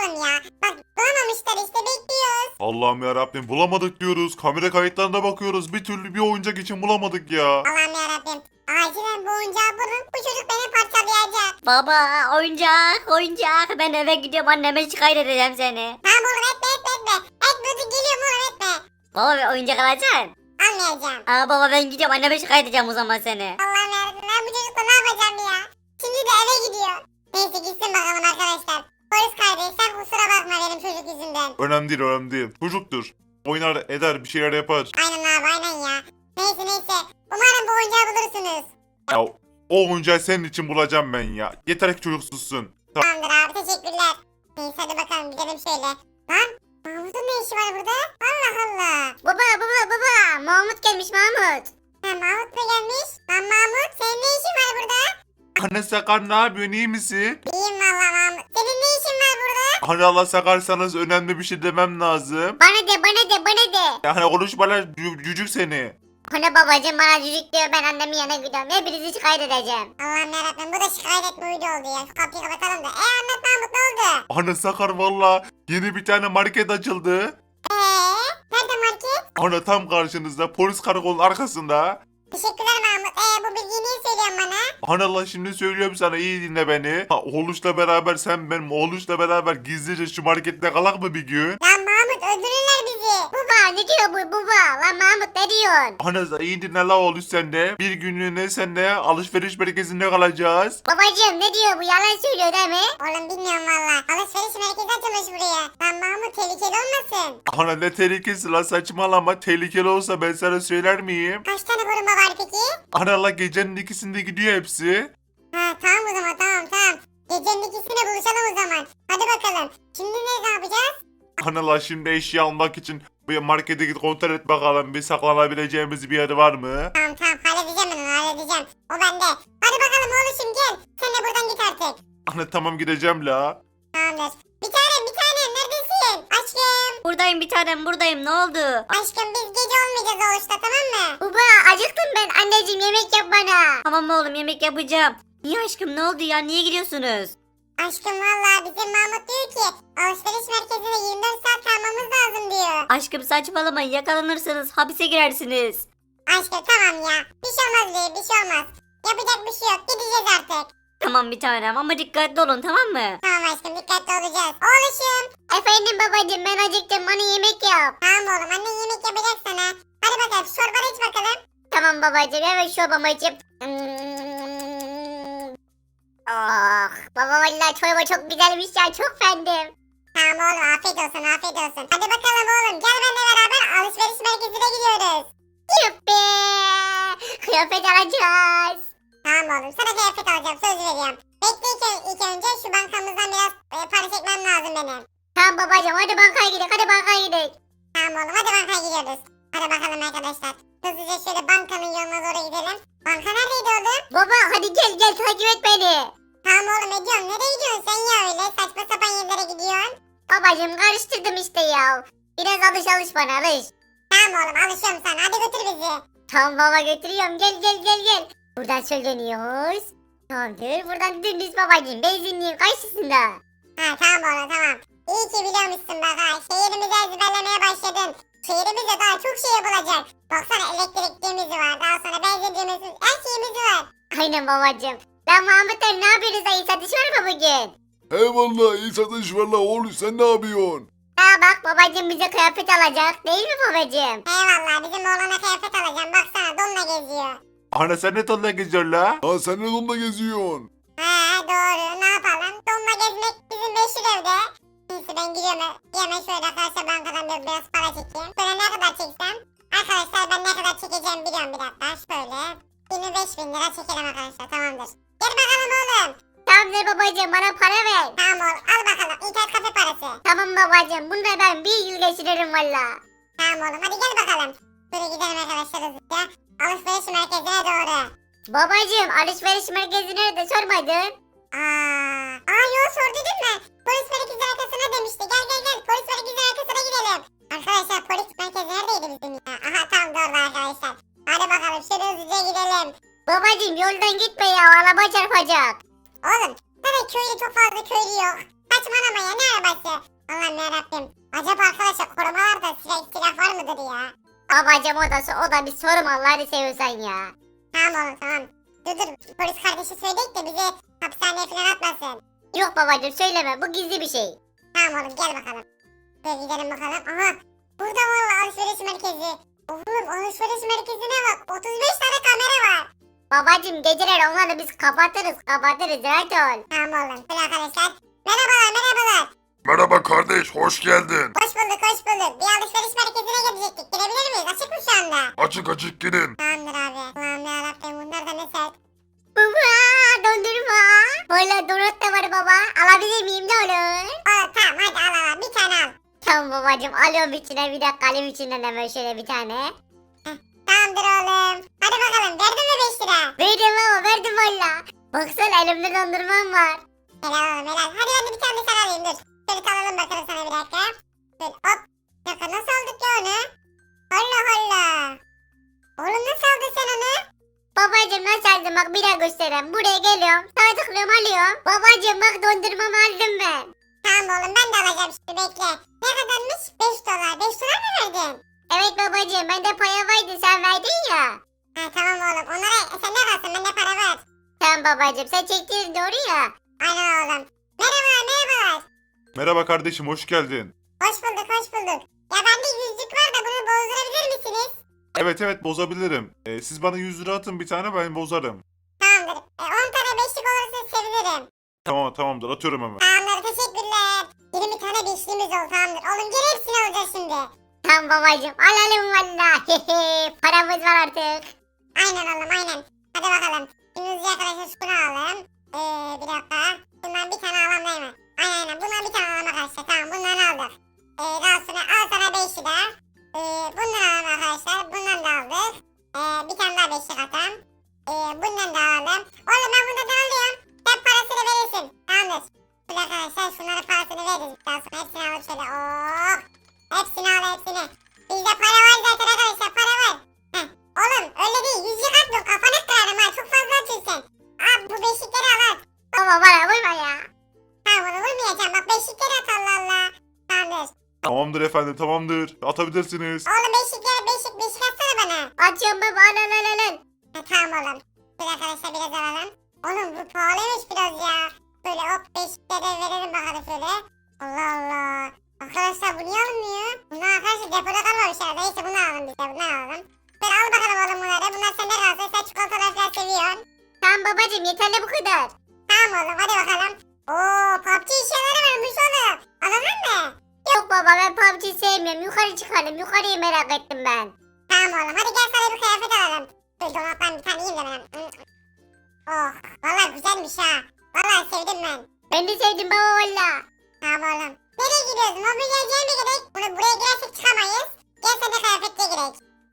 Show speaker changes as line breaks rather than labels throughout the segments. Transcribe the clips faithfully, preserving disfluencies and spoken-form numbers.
oğlum ya. Bak bulamamışlar işte bekliyoruz.
Allah'ım ya Rabbim bulamadık diyoruz. Kamera kayıtlarına bakıyoruz. Bir türlü bir oyuncak için bulamadık ya.
Allah'ım yarabbim. Acilen bu oyuncağı bulun. Bu çocuk beni parçalayacak.
Baba oyuncak oyuncak. Ben eve gidiyorum anneme şikayet edeceğim seni.
Tamam oğlum etme etme etme. Etme dur geliyorum oğlum etme.
Baba bir oyuncak alacaksın.
Almayacağım.
Aa baba ben gidiyorum anneme şikayet edeceğim o zaman seni.
Allah'ım yarabbim ben bu çocukla ne yapacağım ya? Şimdi de eve gidiyor. Neyse gitsin bakalım arkadaşlar. Polis kardeş sen kusura bakma benim çocuk yüzünden.
Önemli değil önemli değil. Çocuktur. Oynar eder bir şeyler yapar.
Aynen abi aynen ya. Neyse neyse. Umarım bu oyuncağı bulursunuz.
Ya o oyuncağı senin için bulacağım ben ya. Yeter ki çocuk sussun. Tamam.
Tamamdır abi teşekkürler. Neyse hadi bakalım gidelim şöyle. Lan Mahmut'un ne işi var burada? Allah Allah.
Baba baba baba Mahmut gelmiş Mahmut.
Ha Mahmut mu gelmiş? Lan Mahmut senin ne işin var burada?
Anne Sakar ne yapıyorsun iyi misin?
İyiyim valla Mahmut. Senin ne işin var burada?
Hani Allah sakarsanız önemli bir şey demem lazım.
Bana de bana de bana de.
Yani konuşmalar cü- cücük seni.
Hani babacım bana cücük diyor ben annemin yanına gidiyorum. Hepinizi şikayet edeceğim.
Allah'ım yarabbim bu da şikayet etme uydu oldu ya. Şu kapıyı kapatalım da. E anlat Mahmut ne oldu?
Anne Sakar valla yeni bir tane market açıldı.
Eee? Nerede market?
Anne tam karşınızda polis karakolun arkasında.
Teşekkürler Mahmut. Eee bu bilgiyi niye söylüyorsun bana?
Anne Allah şimdi söylüyorum sana iyi dinle beni. Ha, oğluşla beraber sen benim oğluşla beraber gizlice şu markette kalak mı bir gün?
Lan Mahmut öldürürler bizi.
Baba ne diyor bu baba? Lan Mahmut ne diyorsun?
Anne iyi dinle la oğluş sen de. Bir günlüğüne sen de alışveriş merkezinde kalacağız.
Babacım ne diyor bu yalan söylüyor değil mi?
Oğlum bilmiyorum valla. Alışveriş merkezi açılmış buraya. Lan Mahmut tehlikeli olmasın?
Anne ne tehlikesi la saçmalama tehlikeli olsa ben sana söyler miyim?
Kaç tane koruma var peki?
Anne Allah gecenin ikisinde gidiyor hepsi.
Ha tamam o zaman tamam tamam. Gecenin ikisinde buluşalım o zaman. Hadi bakalım. Şimdi ne, ne yapacağız?
Anne Allah şimdi eşya almak için bir markete git kontrol et bakalım bir saklanabileceğimiz bir yer var mı?
Tamam tamam halledeceğim ben onu halledeceğim. O bende. Hadi bakalım oğlum gel. Sen de buradan git artık.
Anne tamam gideceğim la.
Tamamdır. Bir tanem bir tanem neredesin? Aşkım.
Buradayım bir tanem buradayım ne oldu?
Aşkım biz gece olmayacağız oğuşta tamam mı?
Baba acıktım ben anneciğim yemek yap bana. Tamam oğlum yemek yapacağım. Niye aşkım ne oldu ya niye gidiyorsunuz?
Aşkım valla bizim Mahmut diyor ki alışveriş merkezine yirmi dört saat kalmamız lazım diyor.
Aşkım saçmalamayın yakalanırsınız hapise girersiniz.
Aşkım tamam ya. Bir şey olmaz diyor bir şey olmaz. Yapacak bir şey yok gideceğiz artık.
Tamam bir tanem ama dikkatli olun tamam mı?
Tamam aşkım dikkatli olacağız. Oğluşum.
Efendim babacığım ben acıktım bana yemek yap.
Tamam oğlum annen yemek yapacak sana. Hadi bakalım çorbanı iç bakalım.
Tamam babacığım evet çorbamı içip. Oh, baba vallahi çorba çok güzelmiş ya çok beğendim.
Tamam oğlum afiyet olsun afiyet olsun. Hadi bakalım oğlum gel benimle beraber alışveriş merkezine gidiyoruz.
Yuppi. Kıyafet alacağız.
Tamam oğlum sana kıyafet alacağım söz veriyorum. Bekle ilk, ilk önce şu bankamızdan biraz e, para çekmem lazım benim.
Tamam babacığım hadi bankaya gidelim hadi bankaya gidelim.
Tamam oğlum hadi bankaya gidiyoruz. Hadi bakalım arkadaşlar. Hızlıca şöyle bankanın yoluna doğru gidelim. Banka neredeydi oğlum?
Baba hadi gel gel takip et beni.
Tamam oğlum ediyorum. Nereye gidiyorsun sen ya öyle? Saçma sapan yerlere gidiyorsun.
Babacığım karıştırdım işte ya. Biraz alış alış bana alış.
Tamam oğlum alışıyorum sana. Hadi götür bizi.
Tamam baba götürüyorum gel gel gel gel. Buradan söyleniyoruz. Tamamdır buradan dümdüz babacığım benzinliğin karşısında.
Ha tamam oğlum tamam. İyi ki biliyormuşsun bak ha. Şehrimizi ezberlemeye başladın. Şehrimizde daha çok şey yapılacak. Baksana elektrikliğimiz var. Daha sonra benzinliğimiz her şeyimiz var.
Aynen babacığım. Ben Mahmut'la ne yapıyoruz ayı satış var mı bugün?
Eyvallah iyi satış var la oğlum sen ne yapıyorsun?
Ha bak babacığım bize kıyafet alacak değil mi babacığım?
Eyvallah bizim oğlana kıyafet alacağım. Baksana donla geziyor.
Anne sen ne tonla geziyorsun la?
Ha sen ne donla geziyorsun?
Ha doğru ne yapalım? Donla gezmek bizim meşhur evde. Neyse ben gidiyorum. Hemen şöyle arkadaşlar bankadan bir- biraz para çekeyim. Böyle ne kadar çeksem? Arkadaşlar ben ne kadar çekeceğim biliyorum bir dakika. Şöyle yirmi beş bin lira çekelim arkadaşlar tamamdır. Gel bakalım oğlum.
Tamamdır babacığım bana para ver.
Tamam oğlum al bakalım internet kafe parası.
Tamam babacığım bunda ben bir yıl geçiririm valla.
Tamam oğlum hadi gel bakalım. Böyle gidelim arkadaşlar hızlıca. Alışveriş merkezine doğru.
Babacığım alışveriş merkezi nerede sormadın?
Aa, aa yol sordu değil mi? Polis merkezi arkasına demişti. Gel gel gel polis merkezi arkasına gidelim. Arkadaşlar polis merkezi neredeydi bizim ya? Aha tam da orada arkadaşlar. Hadi bakalım şöyle hızlıca gidelim.
Babacığım yoldan gitme ya araba çarpacak.
Oğlum zaten köyde çok fazla köylü yok. Kaç saçmalama ya, ne arabası? Allah'ım yarabbim. Acaba arkadaşlar korumalarda silah, silah var mıdır ya?
Babacım o da, o da bir sorum Allah'ını seviyorsan ya.
Tamam oğlum tamam. Dur dur polis kardeşi söyleyip de bizi hapishaneye falan atmasın.
Yok babacım söyleme, bu gizli bir şey.
Tamam oğlum gel bakalım. Böyle gidelim bakalım. Aha burada valla alışveriş merkezi. Oğlum alışveriş merkezine bak. otuz beş tane kamera var.
Babacım geceler onları biz kapatırız kapatırız rahat ol.
Tamam oğlum. Dur arkadaşlar. Merhabalar merhabalar.
Merhaba kardeş, hoş geldin.
Hoş bulduk hoş bulduk. Bir alışveriş merkezine gidecektik. Girebilir miyiz? Açık mı şu anda?
Açık açık girin.
Tamamdır abi. Ulan yarabbim bunlar da ne sert.
Baba dondurma. Valla donut da var baba. Alabilir miyim ne olur?
Oğlum tamam hadi al al al. Bir tane al.
Tamam babacım alıyorum içine bir dakika alayım içinden hemen şöyle bir tane.
Tamamdır oğlum. Hadi bakalım. Verdin mi beş lira?
Verdim baba verdim valla. Baksana elimde dondurmam var.
Helal oğlum helal. Hadi ben de bir tane sen alayım dur. Şöyle alalım bakalım sana bir dakika. Şöyle hop. Bir dakika nasıl aldık ya onu? Allah Allah. Oğlum nasıl aldın sen onu?
Babacım nasıl aldım bak bir daha göstereyim. Buraya geliyorum sana tıklıyorum alıyorum. Babacım bak dondurmamı aldım ben.
Tamam oğlum ben de alacağım şimdi bekle. Ne kadarmış? beş dolar. beş dolar mı verdin?
Evet babacım bende para vardı sen verdin ya.
Ha tamam oğlum. Onlara e, sen ne kalsın bende para var.
Tamam babacım sen çektiğin doğru ya.
Aynen oğlum. Merhabalar merhabalar.
Merhaba kardeşim, hoş geldin.
Hoş bulduk hoş bulduk. Ya bende yüzlük var da bunu bozdurabilir misiniz?
Evet evet, bozabilirim. Ee, siz bana yüz lira atın bir tane, ben bozarım.
Tamamdır. E, on tane beşlik olursa sevinirim.
Tamam tamamdır, atıyorum hemen.
Tamamdır teşekkürler. yirmi tane beşliğimiz oldu tamamdır. Oğlum gel hepsini alacağız şimdi.
Tamam babacım alalım valla. Paramız var artık.
Aynen oğlum aynen. Hadi bakalım. Şimdi hızlıca arkadaşlar şunu alalım. Ee, bir dakika. Bundan bir tane alalım değil mi? Aynen aynen. Bundan bir tane alalım arkadaşlar. Tamam bundan aldık. Ee, daha sonra al sana beşi de. Ee, bundan alalım arkadaşlar. Bundan da aldık. Ee, bir tane daha beşlik atalım. Ee, bundan da alalım. Oğlum ben bundan da alıyorum. Sen parasını verirsin. Tamamdır. Şöyle arkadaşlar şunların parasını veririz. Daha sonra hepsini alıp şöyle. Oh. Hepsini al hepsini. Bizde para var zaten arkadaşlar. Para var. Heh. Oğlum öyle değil. Yüzlük atma. Kafanı kırarım ha. Çok fazla atıyorsun. Al bu beşikleri al at.
Baba bana vurma ya.
Tamam onu vurmayacağım. Bak beşikleri at Allah Allah. Tamamdır.
Tamamdır efendim, tamamdır. Atabilirsiniz.
Oğlum beşikleri beşik beşik atsana bana.
Açıyorum baba al al al al.
Ha, tamam oğlum. Şöyle arkadaşlar biraz alalım. Oğlum bu pahalıymış biraz ya. Böyle hop beşikleri verelim bakalım şöyle. Allah Allah. Arkadaşlar bu niye alınmıyor? Bunlar arkadaşlar depoda kalmamış herhalde. Neyse bunu alalım biz de bunu alalım. Böyle al bakalım oğlum bunları. Bunlar sende kalsın. Sen çikolatalar falan seviyorsun.
Tamam babacım yeterli bu kadar.
Tamam oğlum hadi bakalım. Oo P U B G şeyleri varmış oğlum. Alalım mı?
Yok baba ben P U B G sevmiyorum. Yukarı çıkalım. Yukarıyı merak ettim ben.
Tamam oğlum hadi gel sana bir kıyafet alalım. Dur donattan bir tane yiyeyim de ben. Oh valla güzelmiş ha. Valla sevdim ben.
Ben de sevdim baba valla.
Tamam oğlum. Nereye gidiyoruz? Mobilyacıya mı gerek? Bunu buraya girersek çıkamayız. Gel sen de kıyafetliğe girek.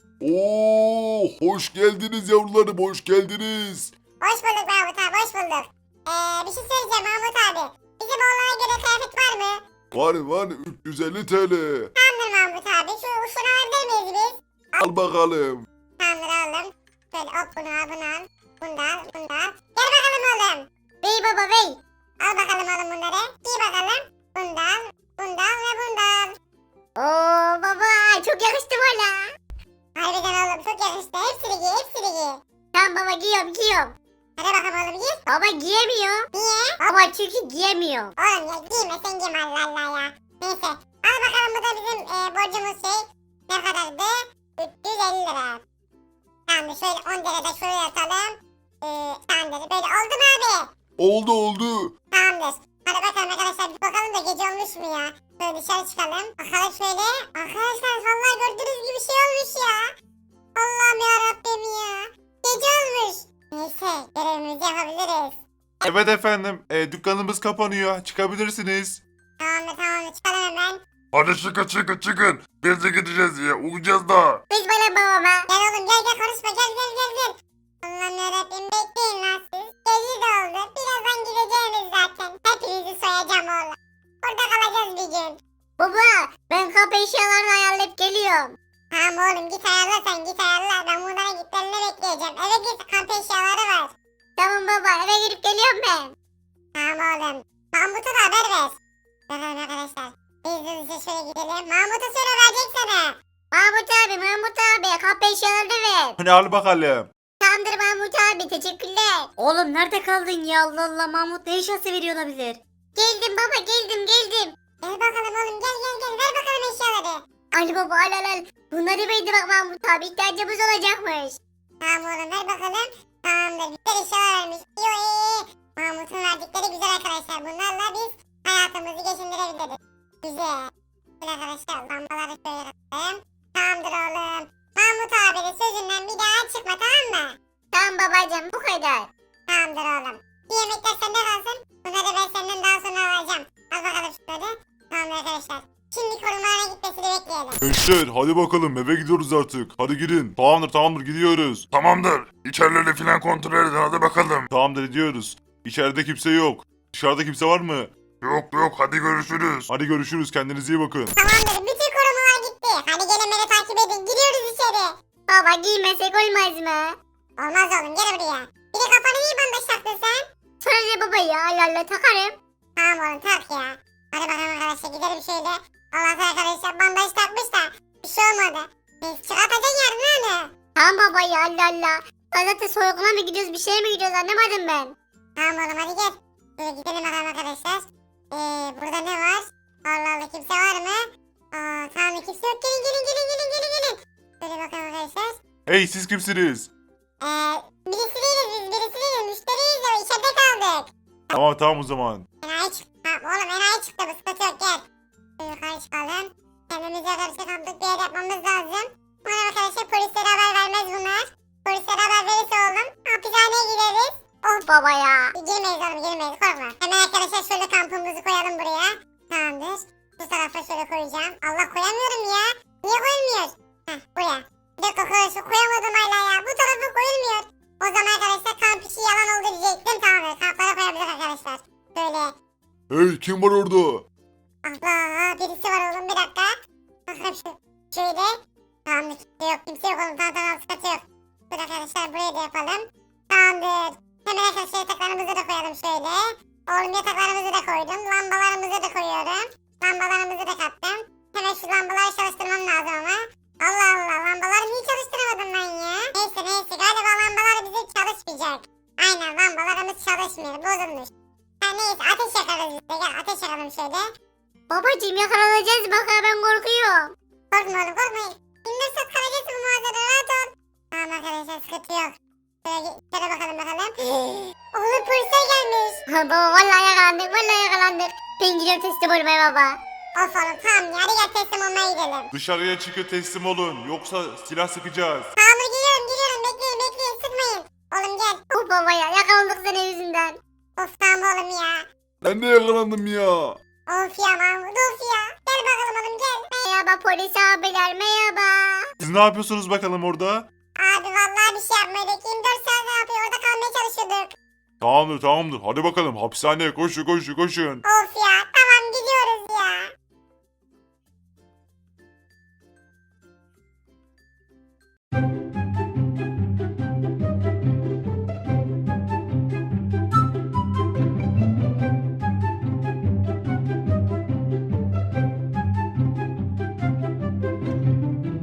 Oo, hoş geldiniz yavrularım, hoş geldiniz.
Hoş bulduk Mahmut abi hoş bulduk. Ee, bir şey söyleyeceğim Mahmut abi. Bizim oğlana göre kıyafet var mı?
Var var üç yüz elli T L.
Tamamdır Mahmut abi. Şu şunu alabilir miyiz biz?
Al bakalım.
Tamamdır aldım. Şöyle hop bunu al bunu al. Bunu da al bunu da al. Gel bakalım oğlum.
Bey baba bey.
Al bakalım oğlum bunları. Giy bakalım. Bunu da al. Bunu da al ve bunu da al.
Oo baba çok yakıştı valla.
Harbiden oğlum çok yakıştı. Hepsini giy hepsini giy.
Tamam baba giyiyorum giyiyorum.
Hadi bakalım oğlum giy.
Baba giyemiyor.
Niye?
Baba çünkü giyemiyor.
Oğlum ya giyme sen giyme Allah Allah ya. Neyse. Al bakalım bu da bizim e, borcumuz şey. Ne kadardı? üç yüz elli lira. Tamamdır şöyle on derede şuraya atalım. Ee, tamamdır. Böyle oldu mu abi?
Oldu oldu.
Tamamdır. Hadi bakalım arkadaşlar bir bakalım da gece olmuş mu ya? Böyle dışarı çıkalım. Bakalım şöyle. Arkadaşlar vallahi gördüğünüz gibi şey olmuş ya. Allah'ım yarabbim ya. Gece olmuş. Neyse görevimizi yapabiliriz.
Evet efendim, e, dükkanımız kapanıyor. Çıkabilirsiniz.
Tamamdır tamamdır çıkalım hemen.
Hadi çıkın çıkın çıkın. Biz de gideceğiz ya, uyuyacağız da.
Biz bana babama.
Gel oğlum gel gel konuşma gel gel gel gel. Allah'ım yarabbim bekleyin lan siz. Gece de oldu. Birazdan gideceğimiz zaten. Hepinizi soyacağım oğlum. Burada kalacağız bir gün.
Baba ben kapı eşyalarını ayarlayıp geliyorum.
Tamam oğlum git ayarla sen git ayarla. Ben bunlara gitlerini bekleyeceğim. Eve git kamp eşyaları var.
Tamam baba eve gidip geliyorum ben.
Tamam oğlum. Mahmut'a da haber ver. Bakalım arkadaşlar. Biz de hızlıca şöyle gidelim. Mahmut'a söyle verecek sana.
Mahmut abi Mahmut abi kapı eşyalarını ver.
Hani al bakalım.
Tamamdır Mahmut abi teşekkürler. Oğlum nerede kaldın ya Allah Allah Mahmut ne eşyası veriyor olabilir? Geldim baba geldim geldim.
Gel bakalım oğlum gel gel gel. Ver bakalım eşyaları.
Ali baba al al al. Bunları verdi bak Mahmut abi ihtiyacımız olacakmış.
Tamam oğlum ver bakalım. Tamamdır. Güzel eşyalar vermiş. İyi iyi iyi. Mahmut'un verdikleri güzel arkadaşlar. Bunlarla biz hayatımızı geçindirebiliriz. Güzel. Güzel arkadaşlar. Lambaları şöyle yapalım. Tamamdır oğlum. Mahmut abinin sözünden bir daha çıkma tamam mı?
Tamam babacığım bu kadar.
Tamamdır oğlum. Bir yemekler sende kalsın. Bunları ben senden daha sonra alacağım. Al bakalım şunları. Tamamdır arkadaşlar. Şimdi korumalara gitmesini bekleyelim.
Gençler hadi bakalım eve gidiyoruz artık. Hadi girin. Tamamdır tamamdır gidiyoruz.
Tamamdır. İçerileri filan kontrol edin hadi bakalım.
Tamamdır gidiyoruz. İçeride kimse yok. Dışarıda kimse var mı?
Yok yok hadi görüşürüz.
Hadi görüşürüz kendinize iyi bakın.
Tamamdır. Bütün korumalar gitti. Hadi gelin beni takip edin. Giriyoruz içeri.
Baba giymesek olmaz mı?
Olmaz oğlum gel buraya. Bir de kafanı niye bandaj taktın sen?
Sonra ne baba ya Allah Allah takarım.
Tamam oğlum tak ya. Hadi bakalım arkadaşlar gidelim şöyle. Allah'tan arkadaşlar bandaj takmış da bir şey olmadı. Biz çıkartacaksın yarın hani.
Tamam baba ya Allah Allah. Ben zaten soyguna mı gidiyoruz bir şeye mi gidiyoruz anlamadım ben.
Tamam oğlum hadi gel. Şöyle gidelim bakalım arkadaşlar. Ee, burada ne var? Allah Allah kimse var mı? Aa tamam kimse yok. Gelin gelin gelin gelin gelin gelin. Şöyle bakalım arkadaşlar.
Hey siz kimsiniz?
Ee, birisi değiliz biz birisi değiliz. Müşteriyiz de içeride kaldık.
Tamam tamam o zaman.
Enayi çıktı. Tamam oğlum enayi çıktı bu sıkıntı yok gel. Şöyle yukarı çıkalım. Kendimize karşı kamplık bir yer yapmamız lazım. Bana arkadaşlar polislere haber vermez bunlar. Polislere haber verirse oğlum hapishaneye gideriz.
Of baba ya.
Girmeyiz oğlum girmeyiz korkma. Hemen arkadaşlar şöyle kampımızı koyalım buraya. Tamamdır. Bu tarafa şöyle koyacağım. Allah koyamıyorum ya. Niye koyulmuyor? Heh buraya. Bir dakika koy- koyamadım hala ya. Bu tarafa koyulmuyor. O zaman arkadaşlar kamp işi yalan oldu diyecektim. Tamamdır. Kamplara koyabiliriz arkadaşlar. Böyle.
Hey kim var orada?
Allah birisi var oğlum bir dakika. Bakalım şu. Şöyle. Tamamdır kimse yok kimse yok oğlum tamam tamam sıkıntı yok. Dur arkadaşlar buraya da yapalım. Tamamdır. Hemen arkadaşlar yataklarımızı da koyalım şöyle. Oğlum yataklarımızı da koydum. Lambalarımızı da koyuyorum. Lambalarımızı da kattım. Hemen şu lambaları çalıştırmam lazım ama. Allah Allah lambaları niye çalıştıramadım ben ya? Neyse neyse galiba lambalar bizim çalışmayacak. Aynen lambalarımız çalışmıyor bozulmuş. Ha neyse ateş yakarız işte gel ateş yakalım şöyle.
Babacığım yakalanacağız bak ha ben korkuyorum.
Korkma oğlum korkmayın. İndir sat kalacağız bu mağazada rahat ol. Tamam arkadaşlar sıkıntı yok. Şöyle, şöyle bakalım bakalım. Oğlum polisler gelmiş.
Ha baba vallahi yakalandık vallahi yakalandık. Ben gidiyorum teslim olmaya baba.
Of oğlum tamam ya hadi gel teslim olmaya gidelim.
Dışarıya çıkıp teslim olun. Yoksa silah sıkacağız.
Tamam geliyorum geliyorum bekleyin bekleyin sıkmayın. Oğlum gel.
Of baba ya yakalandık senin yüzünden.
Of tamam oğlum ya.
Ben de yakalandım ya.
Of ya Mahmut of ya. Gel bakalım oğlum gel.
Merhaba polis abiler merhaba.
Siz ne yapıyorsunuz bakalım orada?
Abi vallahi bir şey yapmadık. yirmi dört saat ne yapıyor orada kalmaya çalışıyorduk.
Tamamdır tamamdır. Hadi bakalım hapishaneye koşun koşun koşun.
Of ya tamam gidiyoruz ya.